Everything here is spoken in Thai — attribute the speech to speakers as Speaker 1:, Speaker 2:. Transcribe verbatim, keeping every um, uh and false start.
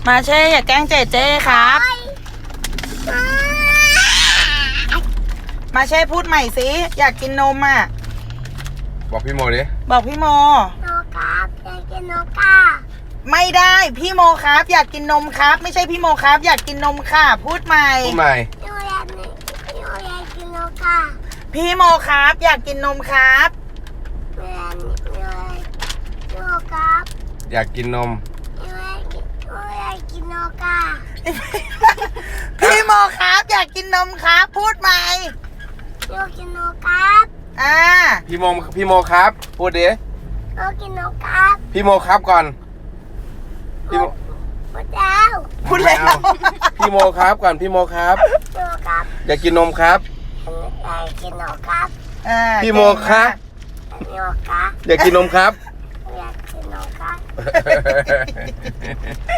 Speaker 1: มาเช่อย่าแกล้งเจเจครับมาเช่พูดใหม่สิอยากกินนมอ่ะ
Speaker 2: บอกพี่โมดิ
Speaker 1: บอกพี่โม
Speaker 3: โนครับอยากกินโนกา
Speaker 1: ไม่ได้พี่โมครับอยากกินนมครับไม่ใช่พี่โมครับอยากกินนมค่ะพูดใหม่
Speaker 2: พูดใหม่
Speaker 3: โนอยากโนอยากกินโนกา
Speaker 1: พี่โมครับอยากกินนมครับ
Speaker 3: โนโนครับ
Speaker 2: อยากกินนม
Speaker 3: โนอยากกินโนกา
Speaker 1: พี่โมครับอยากกินนมครับพูดใหม่
Speaker 3: โนกินโนครับ
Speaker 1: อ่า
Speaker 2: พี่โมพี่โมครับพูดดิ
Speaker 3: โนกินโนครับ
Speaker 2: พี่โมครับก่อนพี่โม
Speaker 3: พูดแล้ว
Speaker 1: พูดแล้ว
Speaker 2: พี่โมครับก่อนพี่โมครับ
Speaker 3: โนครับ
Speaker 2: อยากกินนมครับ
Speaker 3: อยากกินโนครับ
Speaker 2: พี่โมครับ
Speaker 3: โนครับ
Speaker 2: อยากกินนมครับ
Speaker 3: อยากกินโนครับ